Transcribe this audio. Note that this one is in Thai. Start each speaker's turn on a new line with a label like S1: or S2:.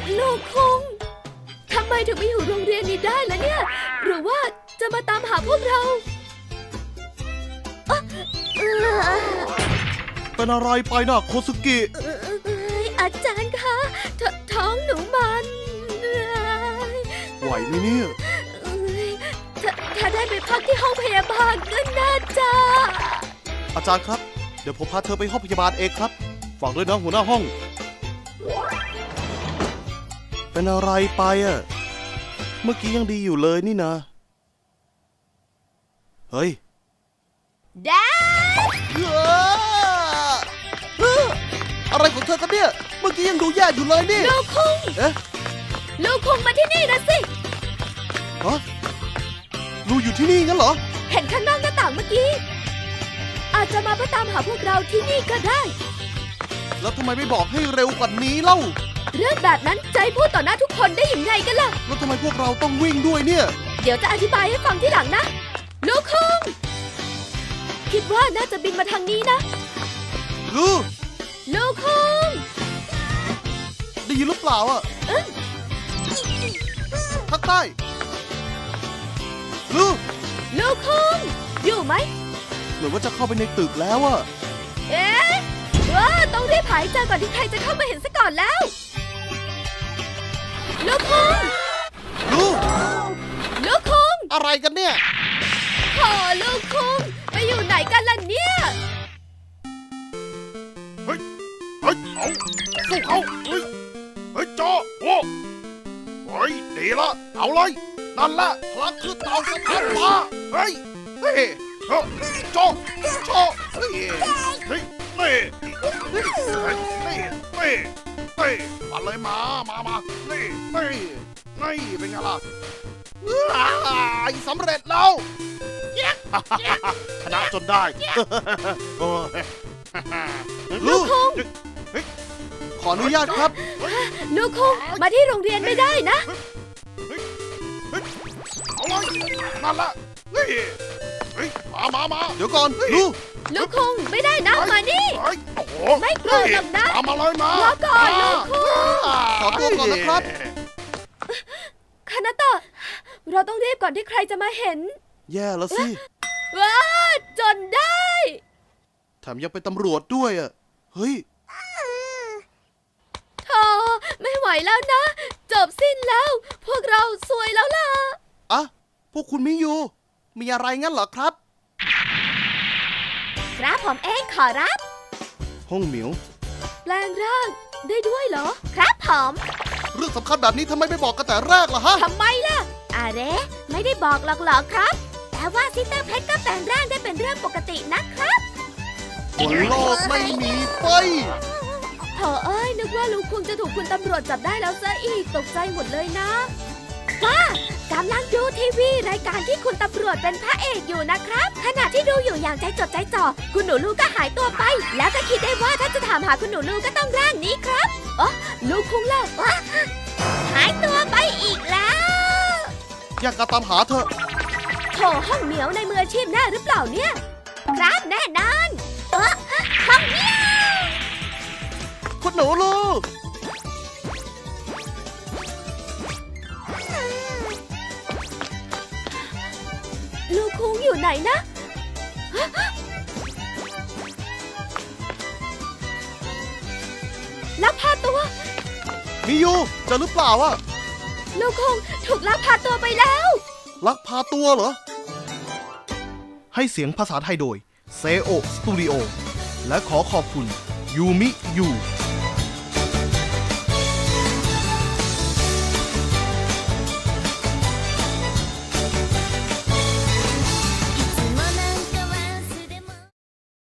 S1: ลูกคงทำไมถึงไม่อยู่โรงเรียนนี้ได้ล่ะเนี่ยหรือว่าจะมาตามหาพวกเรา
S2: เป็นอะไรไปนะโคซุกิ
S1: อาจารย์คะท้องหนูมัน
S2: ไหวไหมเนี่ย
S1: ถ้าได้ไปพักที่ห้องพยาบาลก็น่าจะ
S2: อาจารย์ครับเดี๋ยวผมพาเธอไปห้องพยาบาลเองครับฝากด้วยนะหัวหน้าห้องเป็นอะไรไปอ่ะเมื่อกี้ยังดีอยู่เลยนี่นะเฮ้ย
S1: แด
S2: อะไรของเธอกันเนี่ยเมื่อกี้ยังดูแย่อยู่เลยนี่
S1: ลูกคุง
S2: เอ๊ะ
S1: ลูกคุงมาที่นี่นะสิ
S2: ฮะลูอยู่ที่นี่งั้นเหรอ
S1: เห็นข้างนอกหน้าต่างเมื่อกี้อาจจะมาเพื่อตามหาพวกเราที่นี่ก็ได้
S2: แล้วทำไมไม่บอกให้เร็วกว่านี้เล่า
S1: เรื่องแบบนั้นใจพูดต่อหน้าทุกคนได้อย่างไรกันล่ะ
S2: แล้วทำไมพวกเราต้องวิ่งด้วยเนี่ย
S1: เดี๋ยวจะอธิบายให้ฟังที่หลังนะลูกคุงคิดว่าน่าจะบินมาทางนี้นะลูกคุง
S2: ได้ยินหรือเปล่าอ่ะภาคใต้ลู
S1: กคุงอยู่ไหม
S2: เหมือนว่าจะเข้าไปในตึกแล้วอ่ะ
S1: เอ๊ะต้องรีบหายใจก่อนที่ใครจะเข้ามาเห็นซะก่อนแล้วลูกคุงลูกคุง
S2: อะไรกันเนี่ย
S1: ขอลูกคุงไปอยู่ไหนกันล่ะเนี่ย
S3: เฮ้ยเอาสู้เขาเฮ้ยจอโอ้เฮ้ยดีละเอาเลยนั่นแหละพลังคือเต่าสะท้านฟ้าเฮ้ยจอเฮ้ยนี่มาเลยมานี่เป็นไงล่ะสำเร็จแล้วชนะจนได้
S1: ลูกคุง
S2: ขออนุญาตครับ
S1: ลูกคุงมาที่โรงเรียนไม่ได้นะ
S3: เอาเลยนั่นละมา
S2: เดี๋ยวก่อน
S1: ลูกคุงไม่ได้นะมานี่ไม่โกรธหรอกนะ
S3: มาเลยมาร
S1: อก่อนลูกคุง
S2: ขอตัวก่อนนะครับ
S1: คานาโตะเราต้องรีบก่อนที่ใครจะมาเห็น
S2: แย่แล้วสิ
S1: ว้าจนได้
S2: แถมยังเป็นตำรวจด้วยอ่ะเฮ้ย
S1: ธอไม่ไหวแล้วนะจบสิ้นแล้วพวกเราซวยแล้วล่ะ
S2: อ่ะพวกคุณมิยูมีอะไรงั้นเหรอครับ
S1: ครับผมเองขอรับ
S2: ห้องเหมียว
S1: แปลงร่างได้ด้วยเหรอครับผม
S2: เรื่องสำคัญแบบนี้ทำไมไม่บอกกันแต่แรกล่ะฮะ
S1: ทำไมล่ะอะไรไม่ได้บอกหรอกเหรอครับแต่ว่าซิสเตอร์เพชรก็แปลงร่างได้เป็นเรื่องปกตินะครับ
S2: บนโลกไม่มีไฟ
S1: โถเอ้ยนึกว่าลูกคุงจะถูกคุณตำรวจจับได้แล้วซะอีกตกใจหมดเลยนะว่ากำลังดูทีวีรายการที่คุณตำรวจเป็นพระเอกอยู่นะครับขณะที่ดูอยู่อย่างใจจดใจจ่อคุณหนูลูกก็หายตัวไปแล้วก็คิดได้ว่าถ้าจะถามหาคุณหนูลูกก็ต้องร่างนี้ครับลูกคุงเล่าหายตัวไปอีกแล้ว
S2: อยากตามหาเธอ
S1: โถห้องเหมียวในมืออาชีพแน่หรือเปล่าเนี่ยครับแน่นอนห้องเหมียว
S2: คุณหนูลูก
S1: ลูกคุงอยู่ไหนนะลักพาตัว
S2: มิยูเจอหรือเปล่าอะ
S1: ลูกคุงถูกลักพาตัวไปแล้ว
S2: ลักพาตัวเหรอให้เสียงภาษาไทยโดยเซโอสตูดิโอและขอขอบคุณยูมิยู